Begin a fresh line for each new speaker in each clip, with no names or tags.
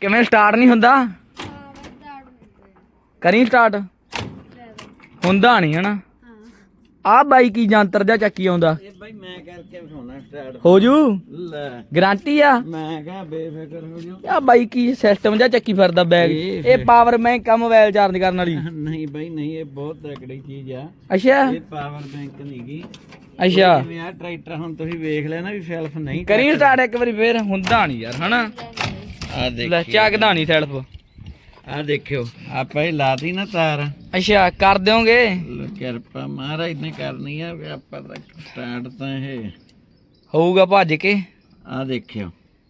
ਕਿਵੇਂ ਸਟਾਰਟ ਨਹੀਂ ਹੁੰਦਾ? ਕਰੀ ਸਟਾਰਟ ਹੁੰਦਾ ਨਹੀਂ ਹਨਾ। ਆ ਬਾਈ ਕੀ ਜੰਤਰ ਜਾਂ ਚੱਕੀ ਆਉਂਦਾ?
ਇਹ ਬਾਈ ਮੈਂ ਕਰਕੇ ਵਿਖਾਉਣਾ ਸਟਾਰਟ
ਹੋ ਜੂ
ਲੈ
ਗਾਰੰਟੀ ਆ।
ਮੈਂ ਕਿਹਾ ਬੇਫਿਕਰ ਹੋ ਜਾ।
ਆ ਬਾਈ ਕੀ ਸਿਸਟਮ ਜਾਂ ਚੱਕੀ ਫਿਰਦਾ ਬੈਗ? ਇਹ ਪਾਵਰ ਬੈਂਕ ਆ ਮੋਬਾਈਲ ਚਾਰਜ ਕਰਨ ਵਾਲੀ?
ਨਹੀਂ ਬਾਈ ਨਹੀਂ, ਇਹ ਬਹੁਤ ਤਕੜੀ ਚੀਜ਼ ਆ।
ਅੱਛਾ
ਇਹ ਪਾਵਰ ਬੈਂਕ ਨਹੀਂਗੀ।
ਅੱਛਾ
ਜਿਵੇਂ ਆ ਟਰੈਕਟਰ ਹੁਣ ਤੁਸੀਂ ਵੇਖ ਲਿਆ ਨਾ ਵੀ ਸੈਲਫ ਨਹੀਂ
ਕਰੀ ਸਟਾਰਟ ਇੱਕ ਵਾਰੀ ਫੇਰ। ਹੁੰਦਾ ਨਹੀਂ ਯਾਰ ਹਨਾ।
ਆ
ਲੈ
ਦੇਖ
ਚੱਕਦਾ ਨਹੀਂ ਸੈਲਫ।
ਆ ਦੇਖਿਓ ਆਪਾਂ ਇਹ ਲਾਤੀ ਨਾ ਤਾਰ।
ਅੱਛਾ ਕਰ ਦਿਓਗੇ?
ਕਿਰਪਾ ਮਹਾਰਾਜ ਨੇ ਕਰਨੀ ਆ ਵੀ ਆਪਾਂ ਤਾਂ ਸਟਾਰਟ ਤਾਂ ਇਹ
ਹੋਊਗਾ ਭੱਜ ਕੇ।
ਆ ਦੇਖਿਓ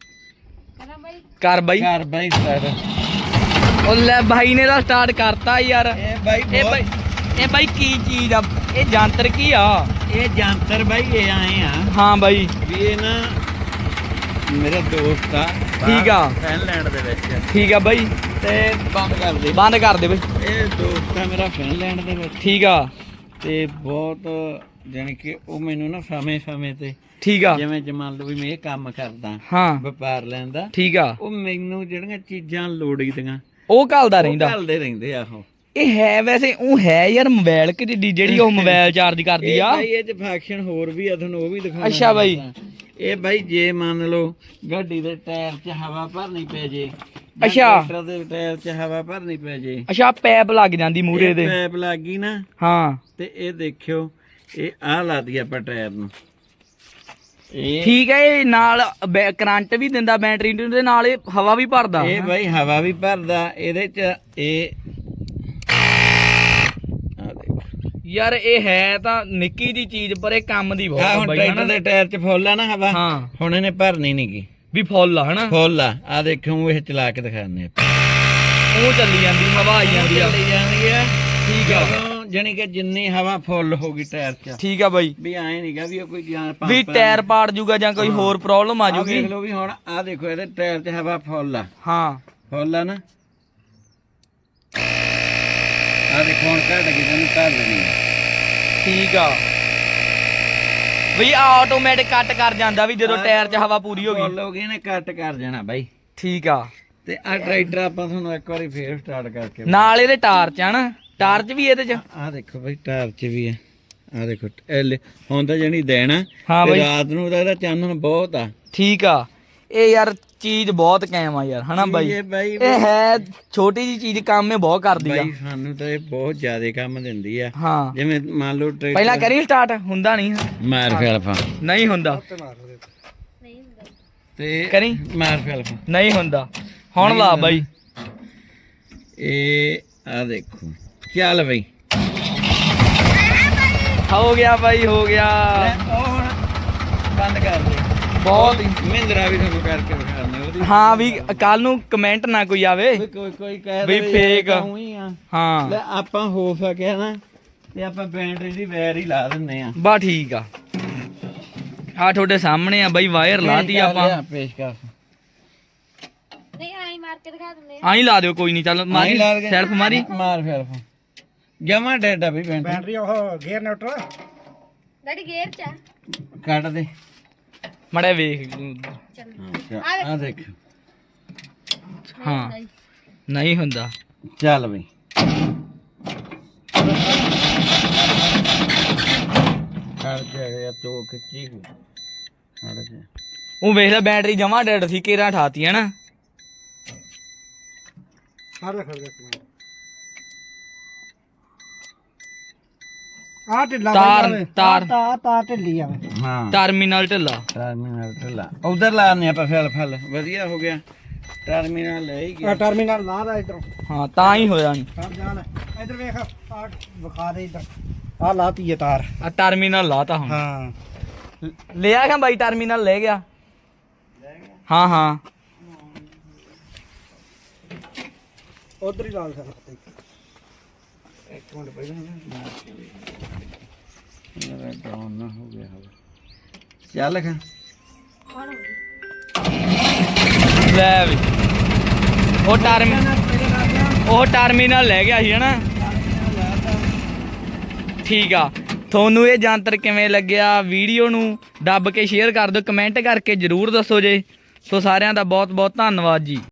ਕਰ ਬਾਈ
ਘਰ ਬਾਈ ਸਟਾਰਟ।
ਉਹ ਲੈ ਬਾਈ ਨੇ ਤਾਂ ਸਟਾਰਟ ਕਰਤਾ ਯਾਰ।
ਇਹ ਬਾਈ
ਇਹ ਬਾਈ ਕੀ ਚੀਜ਼ ਆ? ਇਹ ਜੰਤਰ ਕੀ ਆ?
ਇਹ ਜੰਤਰ ਬਾਈ ਇਹ ਆਏ ਆ
ਹਾਂ ਬਾਈ
ਵੀ ਇਹ ਨਾ ਮੇਰਾ ਦੋਸਤ ਆ
ਠੀਕ ਆ
ਫਿਨਲੈਂਡ ਦੇ ਵਿੱਚ
ਠੀਕ ਆ ਬਾਈ
ਤੇ ਬੰਦ ਕਰ ਦੇ
ਬੰਦ ਕਰ ਦੇ ਬਾਈ।
ਇਹ ਦੋਸਤ ਆ ਮੇਰਾ ਫਿਨਲੈਂਡ ਦੇ ਵਿੱਚ
ਠੀਕ ਆ
ਤੇ ਬਹੁਤ ਜਾਣੀ ਕਿ ਉਹ ਮੈਨੂੰ ਨਾ ਸਮੇਂ ਤੇ
ਠੀਕ ਆ
ਜਿਵੇਂ ਮੰਨ ਲਓ ਵੀ ਮੈਂ ਇਹ ਕੰਮ ਕਰਦਾ
ਹਾਂ
ਵਪਾਰ ਲੈਂਦਾ
ਠੀਕ ਆ।
ਉਹ ਮੈਨੂੰ ਜਿਹੜੀਆਂ ਚੀਜ਼ਾਂ ਲੋੜੀਦੀਆਂ
ਉਹ ਘੱਲਦਾ ਰਹਿੰਦਾ।
ਘੱਲਦੇ ਰਹਿੰਦੇ ਆ ਉਹ।
ਇਹ ਹੈ ਵੈਸੇ ਉਹ ਹੈ ਯਾਰ ਮੋਬਾਈਲ ਕਿ ਜਿਹੜੀ ਉਹ ਮੋਬਾਈਲ ਚਾਰਜ ਕਰਦੀ ਆ?
ਬਾਈ ਇਹ ਚ ਫੰਕਸ਼ਨ ਹੋਰ ਵੀ ਆ, ਤੁਹਾਨੂੰ ਉਹ ਵੀ ਦਿਖਾਉਣਾ।
ਅੱਛਾ ਬਾਈ
ਇਹ ਬਾਈ ਜੇ ਮੰਨ ਲਓ ਗੱਡੀ ਦੇ ਟਾਇਰ 'ਚ ਹਵਾ ਭਰਨੀ ਪੈ ਜੇ,
ਅੱਛਾ
ਟਰੈਕਟਰ ਦੇ ਟਾਇਰ 'ਚ ਹਵਾ ਭਰਨੀ ਪੈ ਜੇ,
ਅੱਛਾ ਪੈਪ ਲੱਗ ਜਾਂਦੀ ਮੂਰੇ ਦੇ।
ਪੈਪ ਲੱਗ ਗਈ ਨਾ
ਹਾਂ
ਤੇ ਇਹ ਦੇਖਿਓ ਇਹ ਆ ਲਾ ਦੀ ਆਪਾਂ ਟਾਇਰ ਨੂੰ। ਇਹ
ਠੀਕ ਹੈ। ਇਹ ਨਾਲ ਕਰੰਟ ਵੀ ਦਿੰਦਾ ਬੈਟਰੀ ਦੇ ਨਾਲ, ਇਹ ਹਵਾ ਵੀ ਭਰਦਾ।
ਇਹ ਬਾਈ ਹਵਾ ਵੀ ਭਰਦਾ ਇਹਦੇ 'ਚ। ਇਹ
ਯਾਰ ਇਹ ਹੈ ਤਾਂ ਨਿੱਕੀ ਜੀ ਚੀਜ਼ ਪਰ ਇਹ ਕੰਮ ਦੀ
ਆ
ਬਹੁਤ
ਹੁਣ
ਬਾਈ
ਟਰੈਕਟਰ ਦੇ ਟਾਇਰ 'ਚ ਫੁੱਲ ਆ ਨਾ ਹਵਾ।
ਹਾਂ
ਹੁਣ ਇਹਨੇ ਭਰਨੀ ਨੀ ਗੀ
ਵੀ ਫੁੱਲ ਆ ਹਨਾ।
ਫੁੱਲ ਆ ਦੇਖਿਓ ਇਹ ਚਲਾ ਕੇ ਦਿਖਾਉਂਦੇ ਆਪਾਂ।
ਉਹ ਚੱਲੀ ਜਾਂਦੀ ਹਵਾ ਆਈ ਜਾਂਦੀ ਆ।
ਚੱਲੀ ਜਾਂਦੀ ਆ
ਠੀਕ ਆ
ਜਾਣੀ ਕਿ ਜਿੰਨੀ ਹਵਾ ਫੁੱਲ ਹੋਗੀ ਟਾਇਰ 'ਚ
ਠੀਕ ਆ ਬਾਈ।
ਵੀ ਐ ਨਹੀਂਗਾ ਵੀ ਕੋਈ ਜਾਂ
ਵੀ ਟਾਇਰ ਪਾੜ ਜੂਗਾ ਜਾਂ ਕੋਈ ਹੋਰ ਪ੍ਰੋਬਲਮ ਆ ਜੂਗੀ।
ਦੇਖ ਲਓ ਵੀ ਹੁਣ ਆ ਦੇਖੋ ਇਹਦੇ ਟਾਇਰ 'ਚ ਹਵਾ ਫੁੱਲ ਆ।
ਹਾਂ
ਫੁੱਲ ਆ ਨਾ। ਆ ਦੇਖੋ ਹੁਣ ਘਟ ਗਈ ਤੈਨੂੰ ਘਰ ਲੈਣੀ।
ਠੀਕ ਆ ਬਈ ਆਟੋਮੈਟਿਕ ਕੱਟ ਕਰ ਜਾਂਦਾ ਵੀ ਜਦੋਂ ਟਾਇਰ 'ਚ ਹਵਾ ਪੂਰੀ ਹੋ
ਫੁੱਲ
ਗਈ।
ਹੋ ਗਈ ਨੇ ਕੱਟ ਕਰ ਜਾਣਾ ਬਾਈ।
ਠੀਕ ਆ
ਤੇ ਆ ਟਰੈਕਟਰ ਆਪਾਂ ਤੁਹਾਨੂੰ ਇੱਕ ਵਾਰੀ ਫੇਰ ਸਟਾਰਟ ਕਰਕੇ
ਨਾਲ ਇਹਦੇ ਟਾਰਚ ਆ ਨਾ। ਟਾਰਚ ਵੀ ਇਹਦੇ 'ਚ?
ਆ ਦੇਖੋ ਬਾਈ ਟਾਇਰ 'ਚ ਵੀ ਆ। ਆ ਦੇਖੋ ਹੁਣ ਤਾਂ ਜਣੀ ਦੇਣਾ
ਹਾਂ ਬਾਈ
ਰਾਤ ਨੂੰ ਤਾਂ ਇਹਦਾ ਚਾਨਣ ਬਹੁਤ ਆ।
ਠੀਕ ਆ। ਇਹ ਯਾਰ ਚੀਜ਼ ਬਹੁਤ ਕਾਇਮ ਆ ਯਾਰ ਹਨਾ ਬਾਈ। ਇਹ ਹੈ ਛੋਟੀ ਜੀ ਚੀਜ਼ ਕੰਮ ਇਹ ਬਹੁਤ ਕਰਦੀ ਆ
ਬਾਈ। ਸਾਨੂੰ ਤਾਂ ਇਹ ਬਹੁਤ ਜ਼ਿਆਦਾ ਕੰਮ ਦਿੰਦੀ ਆ।
ਹਾਂ
ਜਿਵੇਂ ਮੰਨ ਲਓ ਟਰੈਕਟਰ
ਪਹਿਲਾਂ ਕਰੀ ਸਟਾਰਟ। ਹੁੰਦਾ ਨਹੀਂ
ਮਾਰ ਫੈਲਫਾ
ਨਹੀਂ ਹੁੰਦਾ
ਤੇ
ਕਰੀ
ਮਾਰ ਫੈਲਫਾ
ਨਹੀਂ ਹੁੰਦਾ। ਹੁਣ ਲਾ ਬਾਈ।
ਇਹ ਆ ਦੇਖੋ ਚੱਲ ਬਈ
ਹੋ ਗਿਆ ਬਾਈ ਹੋ ਗਿਆ।
ਉਹ ਹੁਣ ਬੰਦ ਕਰ ਦੇ।
ਬਹੁਤ ਹੀ
ਮਹਿੰਦਰਾ ਵੀ ਤੁਹਾਨੂੰ ਕਰਕੇ ਵਿਖਾਉਂਦੇ ਉਹਦੀ।
ਹਾਂ ਵੀ ਕੱਲ ਨੂੰ ਕਮੈਂਟ ਨਾ ਕੋਈ ਆਵੇ
ਕੋਈ ਕਹਿ
ਵੀ ਫੇਕ। ਹਾਂ
ਲੈ ਆਪਾਂ ਹੋ ਸਕਿਆ ਨਾ ਤੇ ਆਪਾਂ ਬੈਟਰੀ ਦੀ ਵਾਇਰ ਹੀ ਲਾ ਦਿੰਨੇ ਆ।
ਬਾ ਠੀਕ ਆ। ਆ ਤੁਹਾਡੇ ਸਾਹਮਣੇ ਆ ਬਾਈ ਵਾਇਰ ਲਾਤੀ ਆਪਾਂ।
ਪੇਸ਼ ਕਰ
ਨਹੀਂ ਆਈ ਮਾਰ ਕੇ ਦਿਖਾ ਦਿੰਦੇ
ਆਈ ਲਾ ਦਿਓ ਕੋਈ ਨਹੀਂ। ਚੱਲ ਮਾਰੀ ਸੈਲਫ ਮਾਰੀ
ਮਾਰ ਫੈਲਫਾ ਜਮਾ ਡੈਡਾ ਵੀ
ਬੈਟਰੀ ਉਹ ਗੇਅਰ ਨਿਊਟਰਲ
ਡੈਡੀ ਗੇਅਰ ਚ ਆ।
ਕੱਢ ਦੇ
ਮੜਾ ਵੇਖ।
ਆ ਦੇਖ
ਹਾਂ ਨਹੀਂ ਹੁੰਦਾ।
ਚੱਲ ਬਈ ਕੱਢ ਜਾ ਤੋ ਖਿੱਚੀ ਕੱਢ ਜਾ।
ਉਹ ਵੇਖ ਲੈ ਬੈਟਰੀ ਜਮਾ ਡੈਡ ਸੀ ਕੇਰਾ ਠਾਤੀ ਹੈ ਨਾ।
ਸਾਰੇ ਖੜ ਗਏ ਆ ਢਿੱਲਾ
ਤਾਰ
ਤਾਰ ਢਿੱਲੀ ਆਵੇ।
ਹਾਂ
ਟਰਮੀਨਲ ਢਿੱਲਾ।
ਟਰਮੀਨਲ ਢਿੱਲਾ ਉਧਰ ਲਾਣੇ ਆਪਾਂ ਫਲ ਵਧੀਆ ਹੋ ਗਿਆ। ਟਰਮੀਨਲ ਲੈ ਹੀ ਗਿਆ।
ਟਰਮੀਨਲ ਲਾ ਦਾ ਇਧਰੋਂ।
ਹਾਂ ਤਾਂ ਹੀ ਹੋਇਆ ਨਹੀਂ।
ਸਰ ਜਾ ਲੈ ਇਧਰ ਵੇਖ ਆ ਵਿਖਾ ਦੇ ਇਧਰ ਆ ਲਾਤੀ ਹੈ ਤਾਰ।
ਆ ਟਰਮੀਨਲ ਲਾਤਾ ਹੁਣ।
ਹਾਂ
ਲਿਆ ਗਿਆ ਬਾਈ ਟਰਮੀਨਲ ਲੈ ਗਿਆ। ਹਾਂ ਹਾਂ
ਉਧਰ ਹੀ ਲਾ ਸਕਦਾ।
ਇੱਕ ਮਿੰਟ ਪਹਿਲਾਂ ਮੇਰਾ ਡਾਊਨ ਨਾ ਹੋ ਗਿਆ ਹੋਵੇ। ਚੱਲ ਖਾ
ਲੈ ਵੀ ਉਹ ਟਰਮੀਨਲ ਲੈ ਗਿਆ ਸੀ ਹਨਾ। ਠੀਕ ਆ। ਤੁਹਾਨੂੰ ਇਹ ਜੰਤਰ ਕਿਵੇਂ ਲੱਗਿਆ? ਵੀਡੀਓ ਨੂੰ ਦੱਬ ਕੇ ਸ਼ੇਅਰ ਕਰ ਦਿਓ। ਕਮੈਂਟ ਕਰਕੇ ਜਰੂਰ ਦੱਸੋ ਜੇ। ਸੋ ਸਾਰਿਆਂ ਦਾ ਬਹੁਤ ਬਹੁਤ ਧੰਨਵਾਦ ਜੀ।